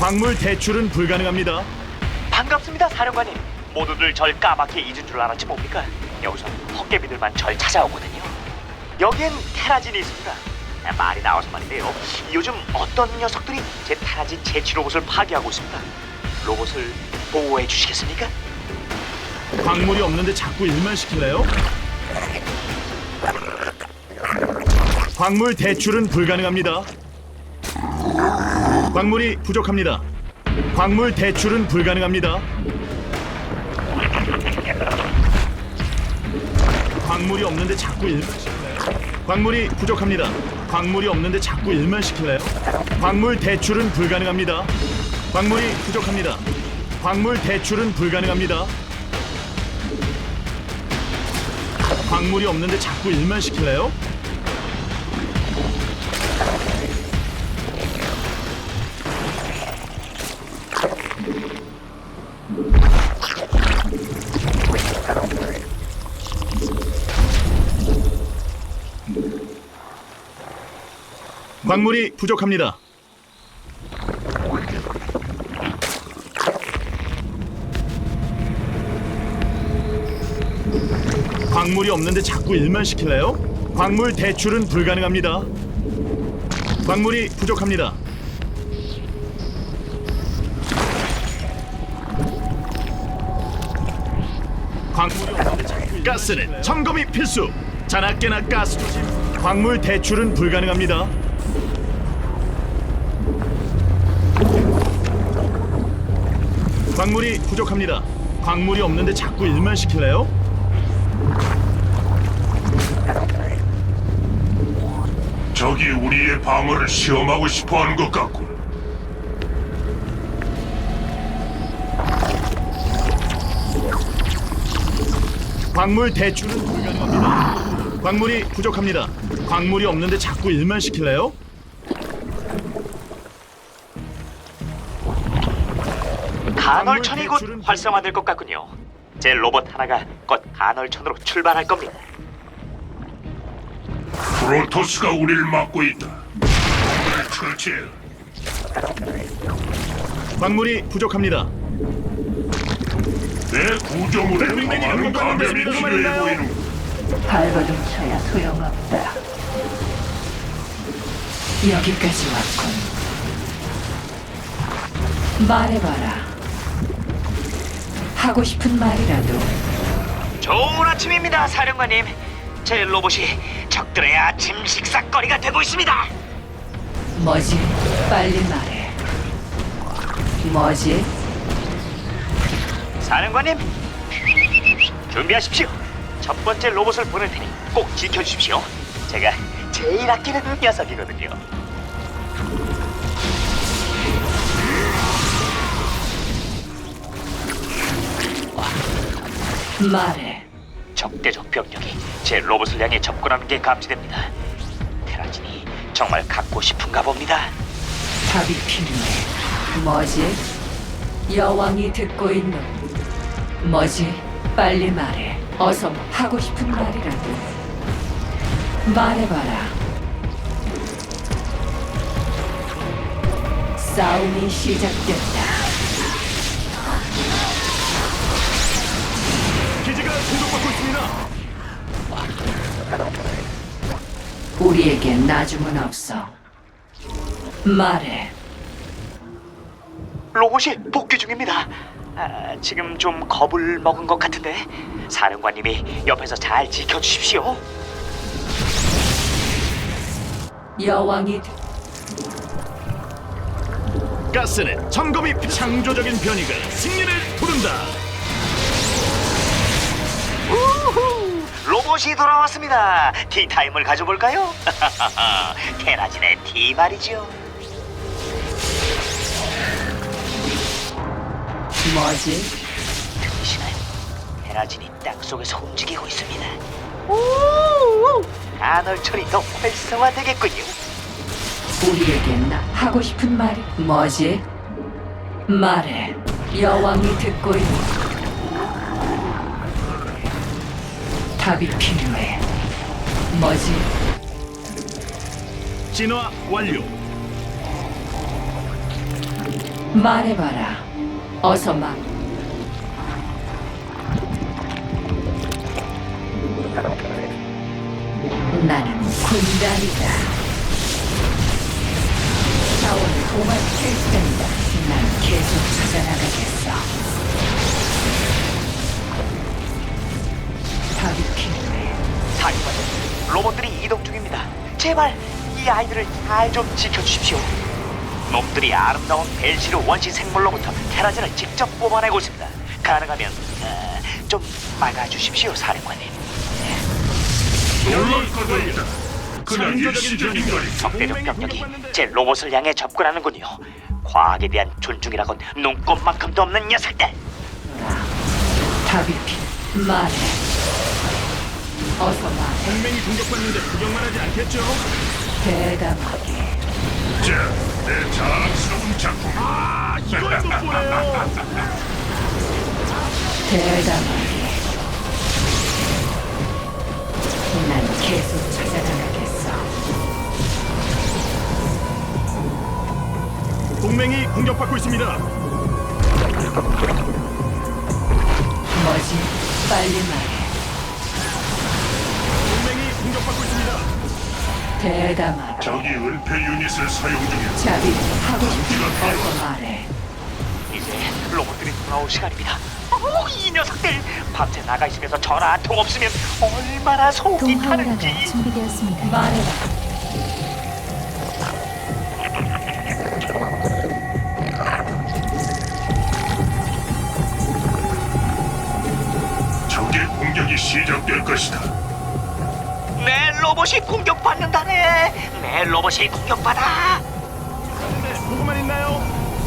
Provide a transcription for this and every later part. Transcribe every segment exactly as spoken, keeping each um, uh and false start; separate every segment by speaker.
Speaker 1: 광물 대출은 불가능합니다.
Speaker 2: 반갑습니다, 사령관님. 모두들 절 까맣게 잊은 줄 알았지 뭡니까? 여기서 헛개비들만 절 찾아오거든요. 여기엔 테라진이 있습니다. 말이 나와서 말인데요. 요즘 어떤 녀석들이 제 테라진 제치 로봇을 파괴하고 있습니다. 로봇을 보호해 주시겠습니까?
Speaker 1: 광물이 없는데 자꾸 일만 시킬래요? 광물 대출은 불가능합니다. 광물이 부족합니다. 광물 대출은 불가능합니다. 광물이 없는데 자꾸 일만 시킬래요? 광물이 부족합니다. 광물이 없는데 자꾸 일만 시킬래요? 광물 대출은 불가능합니다. 광물이 부족합니다. 광물 대출은 불가능합니다. 광물이 없는데 자꾸 일만 시킬래요? 광물이 부족합니다. 광물이 없는데 자꾸 일만 시킬래요? 광물 대출은 불가능합니다. 광물이 부족합니다. 광물이 없는데 자꾸 가스는 점검이 필수. 자나깨나 가스 조심. 광물 대출은 불가능합니다. 광물이 부족합니다. 광물이 없는데 자꾸 일만 시킬래요?
Speaker 3: 적이 우리의 방어를 시험하고 싶어하는 것 같군.
Speaker 1: 광물 대출은 불가능합니다. 광물이 부족합니다. 광물이 없는데 자꾸 일만 시킬래요?
Speaker 2: 간헐천이 곧 활성화될 것 같군요. 제 로봇 하나가 곧 간헐천으로 출발할 겁니다.
Speaker 3: 프로토스가 우리를 막고 있다. 우리를 처치해.
Speaker 1: 광물이 부족합니다.
Speaker 3: 내 구조물에 더 많은 감염이 필요해 보이는.
Speaker 4: 발버둥 쳐야 소용없다. 여기까지 왔군. 말해봐라. 하고 싶은 말이라도.
Speaker 2: 좋은 아침입니다, 사령관님. 제 로봇이 적들의 아침 식사거리가 되고 있습니다.
Speaker 4: 뭐지? 빨리 말해. 뭐지?
Speaker 2: 사령관님, 준비하십시오. 첫 번째 로봇을 보낼 테니 꼭 지켜주십시오. 제가 제일 아끼는 녀석이거든요.
Speaker 4: 말해.
Speaker 2: 적대적 병력이 제 로봇을 향해 접근하는 게 감지됩니다. 테라진이 정말 갖고 싶은가 봅니다.
Speaker 4: 답이 필요해. 뭐지? 여왕이 듣고 있는. 뭐지? 빨리 말해. 어서 하고 싶은 말이라도. 말해봐라. 싸움이 시작됐다.
Speaker 1: 기지가 공격받고 있습니다.
Speaker 4: 우리에게 나중은 없어. 말해.
Speaker 2: 로봇이 복귀 중입니다. 아, 지금 좀 겁을 먹은 것 같은데 사령관님이 옆에서 잘 지켜주십시오.
Speaker 4: 여왕이 듣-
Speaker 1: 가스는 점검이 필- 창조적인 변이가 승리를 부른다.
Speaker 2: 우후, 로봇이 돌아왔습니다. 티타임을 가져볼까요? 테라진의 티 말이죠.
Speaker 4: 뭐지?
Speaker 2: 들리시나요? 테라진이 땅 속에서 움직이고 있습니다. 우우, 간헐천이 더 활성화되겠군요.
Speaker 4: 우리에게 나 하고 싶은 말이 뭐지? 말해. 여왕이 듣고 있는. 답이 필요해. 뭐지?
Speaker 1: 진화 완료.
Speaker 4: 말해봐라. 어서 말. 나는 군단이다. 자원을 도맡을 텐다. 난 계속 찾아나가겠어. 답이 필요해.
Speaker 2: 사령관님, 로봇들이 이동 중입니다. 제발 이 아이들을 잘 좀 지켜주십시오. 놈들이 아름다운 벨시르 원시 생물로부터 테라진을 직접 뽑아내고 있습니다. 가능하면 어, 좀 막아주십시오, 사령관님.
Speaker 3: 놀랄 것입니다. 그냥
Speaker 1: 창조적인
Speaker 3: 일시적인 거리.
Speaker 2: 적대적 병력이 제 로봇을 향해 접근하는군요. 과학에 대한 존중이라곤 눈꼽만큼도 없는 녀석들.
Speaker 4: 답이 필요. 말해. 어서 말해.
Speaker 1: 동맹이 공격받는데 구경만 하지 않겠죠?
Speaker 4: 대담하게.
Speaker 3: 자, 내 자랑스러운 작품.
Speaker 1: 아, 이걸 못 보네요.
Speaker 4: 대담하게. 난 계속 찾아나가겠어.
Speaker 1: 동맹이 공격받고 있습니다.
Speaker 4: 뭐지? 빨리 말해.
Speaker 1: 동맹이 공격받고 있습니다.
Speaker 4: 대담하게.
Speaker 3: 적이 은폐 유닛을 사용 중이야.
Speaker 4: 자비 하고 싶은 거 어서 말해.
Speaker 2: 이제 로봇들이 돌아올 시간입니다. 어, 이 녀석들 밤새 나가 있으면서 전화 한 통 없으면 얼마나 속이
Speaker 5: 동화오라가
Speaker 2: 타는지.
Speaker 5: 준비되었습니다.
Speaker 4: 말해라.
Speaker 3: 적의 공격이 시작될 것이다.
Speaker 2: 내 로봇이 공격받는다네. 내 로봇이 공격받아.
Speaker 1: 네, 보고만 있나요?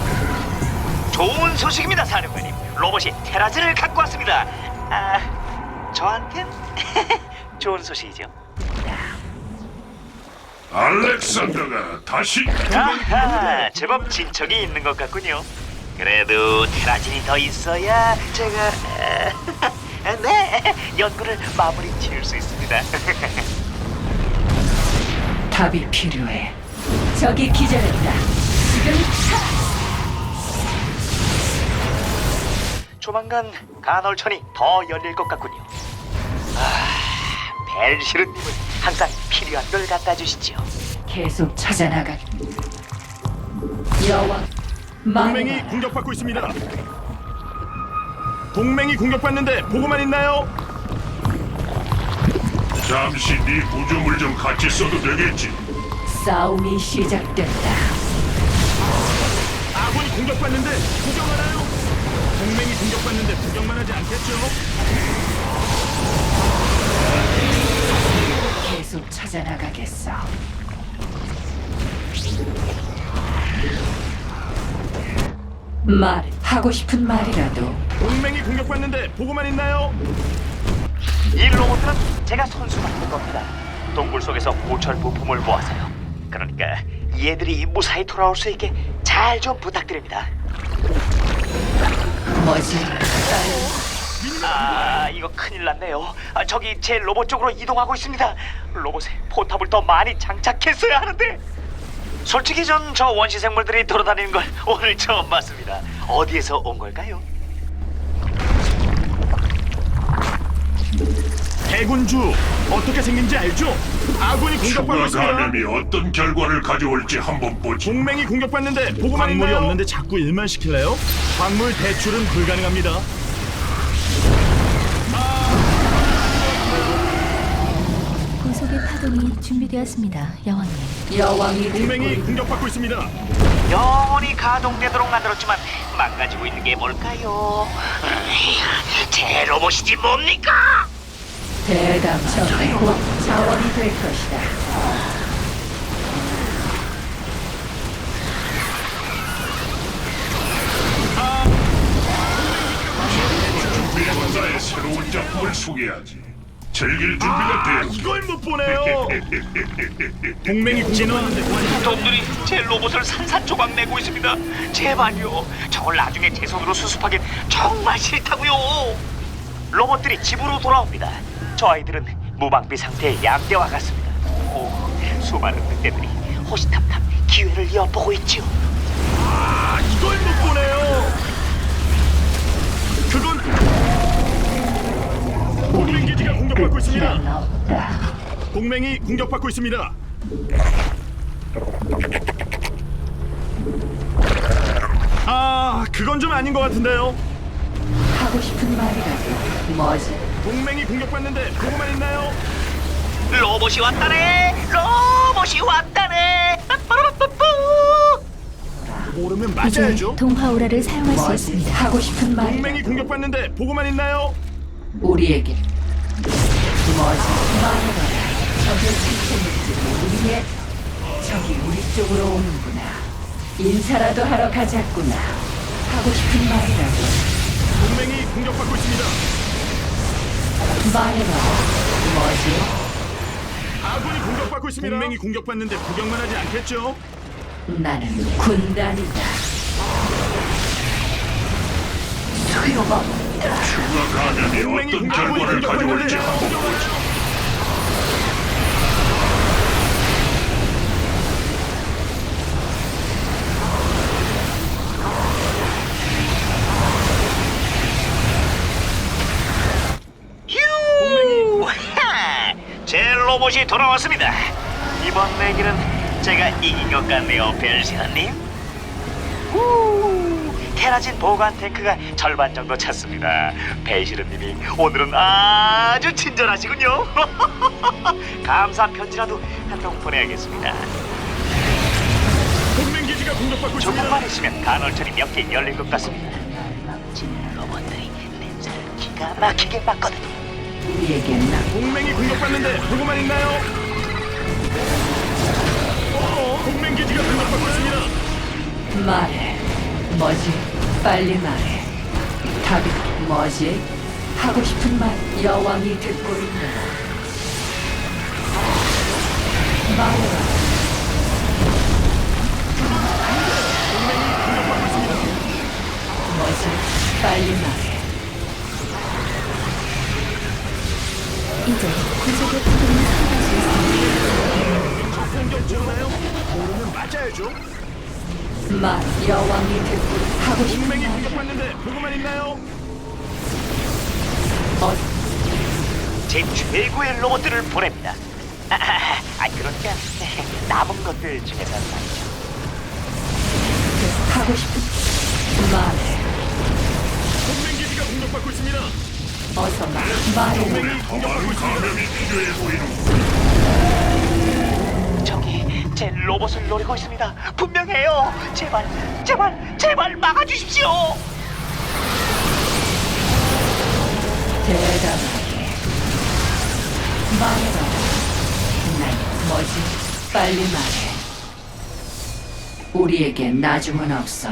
Speaker 2: 좋은 소식입니다, 사령관님. 로봇이 테라즈를 갖고 왔습니다. 아, 저한텐 좋은 소식이죠.
Speaker 3: 알렉산더가 다시
Speaker 2: 아하, 제법 진척이 있는 것 같군요. 그래도 테라진이 더 있어야 제가 네 연구를 마무리 지을 수 있습니다.
Speaker 4: 답이 필요해. 저기 기절했다. 지금 차!
Speaker 2: 조만간 간헐천이 더 열릴 것 같군요. 아, 벨시르님은 항상 필요한 걸 갖다 주시죠.
Speaker 4: 계속 찾아나가. 여왕.
Speaker 1: 동맹이
Speaker 4: 말해봐라.
Speaker 1: 공격받고 있습니다. 동맹이 공격받는데 보고만 있나요?
Speaker 3: 잠시 네 구조물 좀 같이 써도 되겠지.
Speaker 4: 싸움이 시작된다.
Speaker 1: 아군이 공격받는데 구경하나요? 동맹이 공격받는데 구경만 하지 않겠죠?
Speaker 4: 계속 찾아나가겠어. 말 하고 싶은 말이라도.
Speaker 1: 동맹이 공격받는데 보고만 있나요?
Speaker 2: 이 로봇들은 제가 손수 만든 겁니다. 동굴 속에서 고철 부품을 모아서요. 그러니까 얘들이 무사히 돌아올 수 있게 잘 좀 부탁드립니다.
Speaker 4: 뭐지?
Speaker 2: 아, 이거 큰일 났네요. 아, 저기 제 로봇 쪽으로 이동하고 있습니다. 로봇에 포탑을 더 많이 장착했어야 하는데. 솔직히 전 저 원시 생물들이 돌아다니는 걸 오늘 처음 봤습니다. 어디에서 온 걸까요?
Speaker 1: 대군주 어떻게 생긴지 알죠? 아군이 공격받고
Speaker 3: 추가
Speaker 1: 있습니다.
Speaker 3: 감염이 어떤 결과를 가져올지 한번 보지.
Speaker 1: 동맹이 공격받는데 보고만 광물이 있나요? 없는데 자꾸 일만 시킬래요? 광물 대출은 불가능합니다.
Speaker 5: 구속의 파동이 준비되었습니다. 여왕님.
Speaker 4: 여왕이
Speaker 1: 동맹이
Speaker 4: 듣고 있-
Speaker 1: 공격받고 있습니다.
Speaker 2: 영원히 가동되도록 만들었지만 망가지고 있는 게 뭘까요? 제 로봇이지 뭡니까?
Speaker 4: 대담하게 곧 자원이 될 것이다.
Speaker 3: 준비된 나의 새로운 작품을 소개하지. 즐길 준비가
Speaker 1: 아,
Speaker 3: 되었.
Speaker 1: 이걸 못 보네요. 동맹이 공격받는데 보안-
Speaker 2: 놈들이 제 로봇을 산산조각 내고 있습니다. 제발요. 저걸 나중에 제 손으로 수습하긴 정말 싫다고요. 로봇들이 집으로 돌아옵니다. 저 아이들은 무방비 상태의 양대와 같습니다. 오, 수많은 늑대들이 호시탐탐 기회를 엿보고 있죠.
Speaker 1: 아, 이걸 못 동맹이 공격받고 있습니다. 아, 그건 좀 아닌 것 같은데요.
Speaker 4: 하고 싶은 말이라도 뭐지?
Speaker 1: 동맹이 공격받는데 보고만 있나요?
Speaker 2: 로봇이 왔다네. 로봇이 왔다네. 빠빠라빠뿌.
Speaker 1: 모르면
Speaker 5: 이제
Speaker 1: 맞아야죠.
Speaker 5: 동화오라를 사용할 수
Speaker 4: 뭐지?
Speaker 5: 있습니다.
Speaker 4: 하고 싶은
Speaker 1: 동맹이
Speaker 4: 말이라도
Speaker 1: 공격받는데 보고만 있나요?
Speaker 4: 우리에게 뭐지? 말해봐라. 적의 생체물질이 우리의 적이 우리 쪽으로 오는구나. 인사라도 하러 가자꾸나. 하고 싶은 말이라도
Speaker 1: 동맹이 공격받고 있습니다.
Speaker 4: 말해봐라. 뭐지?
Speaker 1: 아군이 공격받고 있습니다. 동맹이 공격받는데 구경만 하지 않겠죠?
Speaker 4: 나는 군단이다. 소용없다.
Speaker 3: 추가 감염이
Speaker 1: 동맹이
Speaker 3: 어떤
Speaker 1: 공격받고
Speaker 3: 결과를 가져올지
Speaker 1: 있는데
Speaker 3: 한번 보자.
Speaker 2: 휴! 하! 제 로봇이 돌아왔습니다. 이번 내기는 제가 이긴 것 같네요, 벨시아님. 후! 테라진 보관 탱크가 절반 정도 찼습니다. 벨시르님이 오늘은 아주 친절하시군요. 감사 편지라도 한 통 보내야겠습니다.
Speaker 1: 동맹 기지가 공격받고 있습니다.
Speaker 2: 조금만 있으면 간헐천이 몇 개 열릴 것 같습니다. 제 로봇들이 냄새를 기가 막히게 맡거든요.
Speaker 4: 우리에겐 나
Speaker 1: 동맹이 공격받는데 보고만 있나요? 어, 동맹 기지가 공격받고 있습니다.
Speaker 4: 말해. 뭐지? 빨리 말해. 답이 뭐지? 하고 싶은 말 여왕이 듣고 있노라. 말해봐. 뭐지? 빨리 말해.
Speaker 5: 이제 구속의 파동이 사용할 수 있습니다.
Speaker 1: 저 공격 들어나요? 모르면 맞아야죠.
Speaker 4: 말 여왕이 듣고 하고 싶은
Speaker 1: 동맹이
Speaker 4: 말
Speaker 1: 공격받는데 보고만 있나요?
Speaker 4: 어,
Speaker 2: 제 최고의 로봇들을 보냅니다. 아, 아, 아 그러니까 남은 것들 중에서 말이죠.
Speaker 4: 하고 싶은 말해.
Speaker 1: 동맹 기지가 공격받고 있습니다.
Speaker 4: 어서 말 말해.
Speaker 1: 동맹이 공격받고 있습니다.
Speaker 3: 감염이 필요해 보이는
Speaker 2: 저기 제 로봇을 노리고 있습니다. 분명해요. 제발, 제발, 제발 막아주십시오.
Speaker 4: 대담하게 말해봐. 난 뭐지? 빨리 말해. 우리에게 나중은 없어.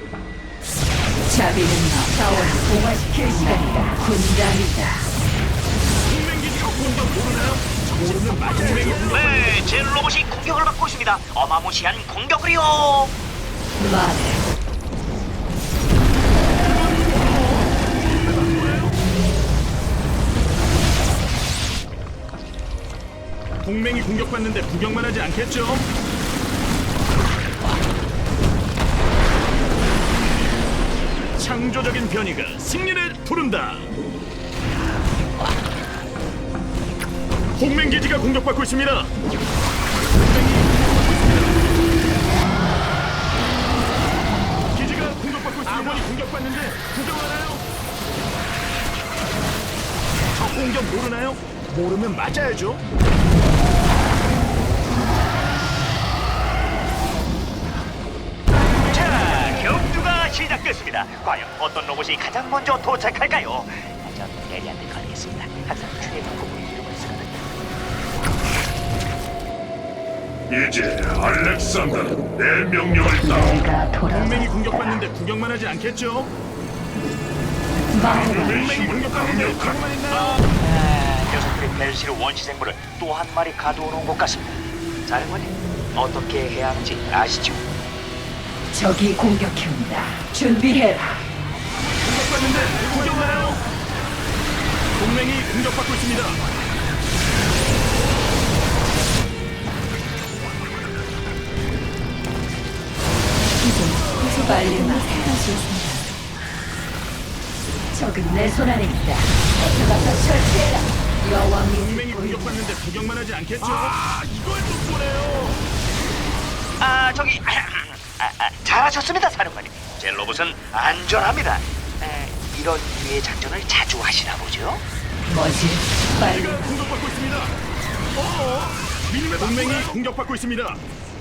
Speaker 4: 자비는 너 자원을 동화시킬 시간이다. 군단이다.
Speaker 1: 동맹 기지가 공격 모르나요? 모르면 맞아야죠.
Speaker 2: 네, 제 로봇이 공격을 받고 있습니다. 어마무시한 공격을요.
Speaker 4: 말해.
Speaker 1: 동맹이 공격받는데 구경만 하지 않겠죠? 창조적인 변이가 승리를 부른다. 동맹 기지가 공격받고 있습니다. 기지가 공격받고 있습니다. 아군이 공격받는데 구경하나요? 저 공격 모르나요? 모르면 맞아야죠.
Speaker 2: 자, 경주가 시작됐습니다. 과연 어떤 로봇이 가장 먼저 도착할까요? 전 대리한테 걸리겠습니다. 항상 최고급을 이루고 있었거든요.
Speaker 3: 이제 알렉산더 내 명령을 따.
Speaker 4: 내가
Speaker 1: 동맹이
Speaker 4: 돌아왔다.
Speaker 1: 공격받는데 구경만 하지 않겠죠?
Speaker 4: 말해봐.
Speaker 1: 동맹이 공격받는데 구경만 있나요?
Speaker 2: 아, 녀석들이 벨시르 원시 생물을 또 한 마리 가둬놓은 것 같습니다. 사령관님, 어떻게 해야 하는지 아시죠?
Speaker 4: 적이 공격해온다. 준비해라.
Speaker 1: 공격받는데 구경하나요? 동맹이 공격받고 있습니다.
Speaker 5: 이제 구속의
Speaker 4: 빨리
Speaker 5: 파동이
Speaker 4: 말해.
Speaker 5: 사용할 수 있습니다.
Speaker 4: 적은 내 손 안에 있다. 어서 가서 처치해라. 여왕이
Speaker 1: 동맹이
Speaker 4: 듣고 있노라.
Speaker 1: 공격받는데 구경만 하지 않겠죠? 아, 이걸 못 보네요.
Speaker 2: 아 저기 아, 아, 잘하셨습니다 사령관님. 제 로봇은 안전합니다. 에, 이런 류의 작전을 자주 하시나 보죠?
Speaker 4: 뭐지? 빨리
Speaker 1: 제가 공격받고 있습니다. 어? 미니맵 동맹이 공격받고 있습니다.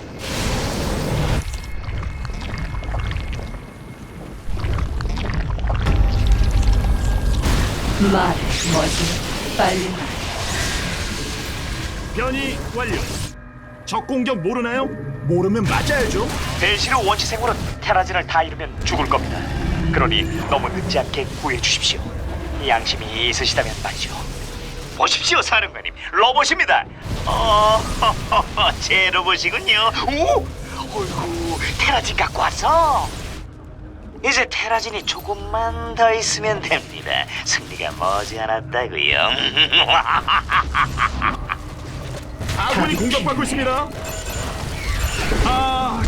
Speaker 4: 말해. 뭐지? 빨리 말해.
Speaker 1: 변이 완료. 적 공격 모르나요? 모르면 맞아야죠.
Speaker 2: 벨시르 원시생물은 테라진을 다 잃으면 죽을 겁니다. 그러니 너무 늦지 않게 구해 주십시오. 양심이 있으시다면 말이죠. 보십시오 사령관님, 로봇입니다. 어, 제 로봇이군요. 오, 어이구, 테라진 갖고 왔어. 이제 테라진이 조금만 더 있으면 됩니다. 승리가 머지않았다고요.
Speaker 1: 아군이 공격받고 있습니다. 아,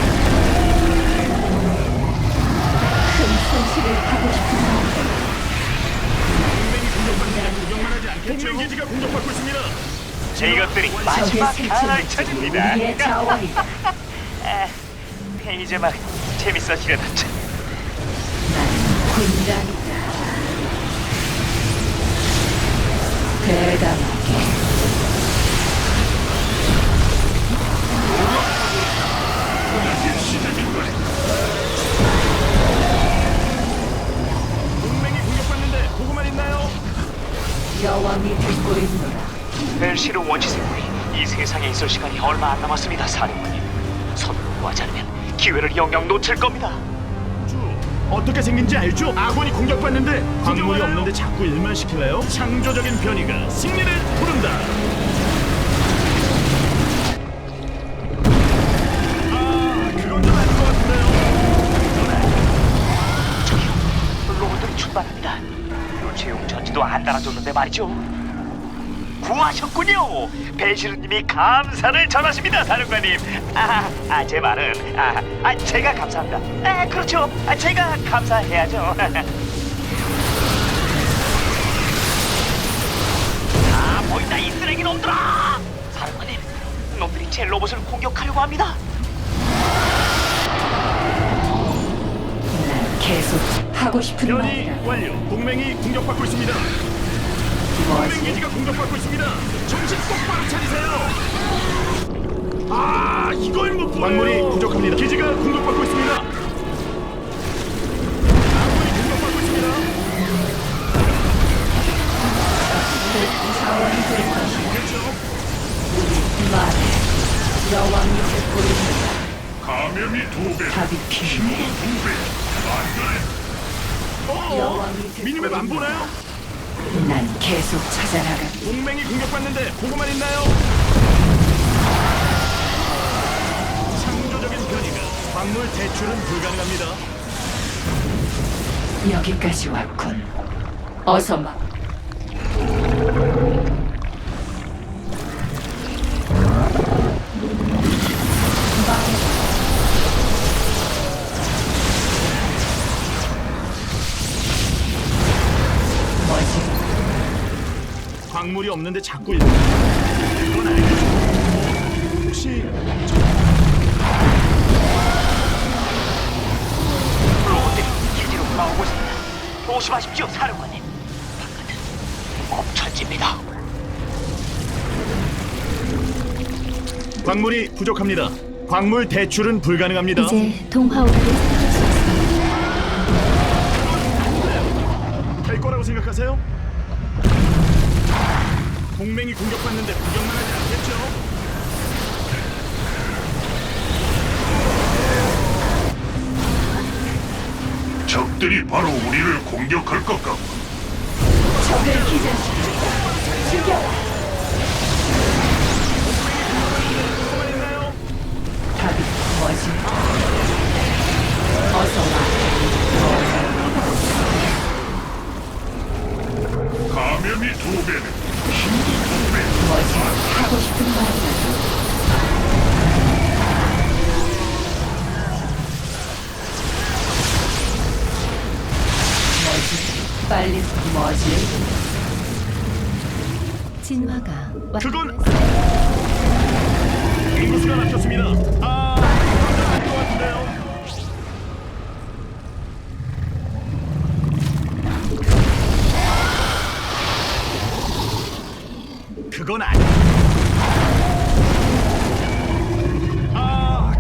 Speaker 4: 큰 손실을 하고 싶은 마음.
Speaker 1: 동맹이 공격받는데 구경만 하지 않겠죠? 동맹 기지가 공격받고 있습니다.
Speaker 2: 제 이것들이
Speaker 4: 적의
Speaker 2: 마지막 칸을
Speaker 4: 생체는
Speaker 2: 찾습니다.
Speaker 4: 우리의 자원이다.
Speaker 2: 아, 이제 막 재밌어지려다.
Speaker 4: 나는 군단이다. 대담하게.
Speaker 1: 동맹이 공격받는데 보고만 있나요?
Speaker 4: 여왕이 듣고 있노라.
Speaker 2: 벨시르 원시생물이 이 세상에 있을 시간이 얼마 안 남았습니다, 사령관님. 서둘러 구하지 않으면 기회를 영영 놓칠 겁니다.
Speaker 1: 주, 어떻게 생긴지 알죠? 아군이 공격받는데 광물이 없는데 자꾸 일만 시킬래요? 창조적인 변이가 승리를 부른다. 아, 그건 좀 아닌 것 같은데요.
Speaker 2: 저기요, 로봇들이 출발합니다. 교체용 전지도 안 달아줬는데 말이죠. 구하셨군요. 벨시르님이 감사를 전하십니다, 사령관님. 아, 아, 제 말은 아, 아, 제가 감사합니다. 아, 그렇죠. 아, 제가 감사해야죠. 아, 보인다 이 쓰레기 놈들아! 사령관님, 놈들이 제 로봇을 공격하려고 합니다.
Speaker 4: 난 계속 하고 싶은
Speaker 1: 변이
Speaker 4: 말이라.
Speaker 1: 완료. 동맹이 공격받고 있습니다. 동맹
Speaker 4: 뭐지?
Speaker 1: 기지가 공격받고 있습니다. 정신 똑바로 차리세요. 아, 이걸 못 보네요. 광물이 부족합니다. 기지가 공격받고 있습니다. 아군이 공격받고 있습니다.
Speaker 4: 자원이 될 것이다.
Speaker 1: 그렇죠.
Speaker 4: 말해. 여왕이 듣고 있노라.
Speaker 3: 감염이 두 배,
Speaker 4: 답이 필요해.
Speaker 3: 두 배. 안전해.
Speaker 1: 어,
Speaker 4: 여왕이 듣고
Speaker 1: 미니맵 안
Speaker 4: 있노라.
Speaker 1: 보나요?
Speaker 4: 난 계속 찾아나가.
Speaker 1: 동맹이 공격받는데 보고만 있나요? 창조적인 변이가 광물 대출은 불가능합니다.
Speaker 4: 여기까지 왔군. 어서 막. 뭐지?
Speaker 1: 광물이 없는데 자꾸 일. 이건 알겠죠. 혹시
Speaker 2: 로봇들이 기지로 돌아오고 있습니다. 조심하십시오, 사령관님. 바깥은 엄천지입니다.
Speaker 1: 광물이 부족합니다. 광물 대출은 불가능합니다.
Speaker 5: 이제 동화오라를 사용할 수 있습니다.
Speaker 1: 될 거라고 생각하세요? 동맹이 공격받는데 구경만 하지 않겠죠?
Speaker 3: 적들이 바로 우리를 공격할 것 같고
Speaker 4: 적을 기절시켜. 죽여라.
Speaker 1: 보고만 있나요?
Speaker 4: 답이 뭐지? 어서 와.
Speaker 3: 감염이 두 배는 힘도 두 배.
Speaker 4: 뭐지? 하고 싶은 말이라도. 뭐지? 빨리 뭐지?
Speaker 5: 진화가
Speaker 1: 그건-
Speaker 5: 완료되었습니다.
Speaker 1: 인구수가 낮췄습니다. 아, 안것 같은데요. 그건 아니. 아,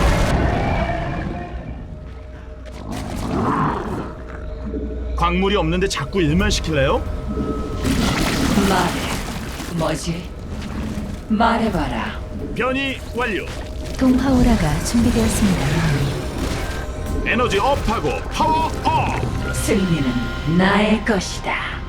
Speaker 1: 광물이 없는데 자꾸 일만 시킬래요?
Speaker 4: 말해. 뭐지? 말해봐라.
Speaker 1: 변이 완료.
Speaker 5: 동화오라가 준비되었습니다.
Speaker 1: 에너지 업하고 파워 업.
Speaker 4: 승리는 나의 것이다.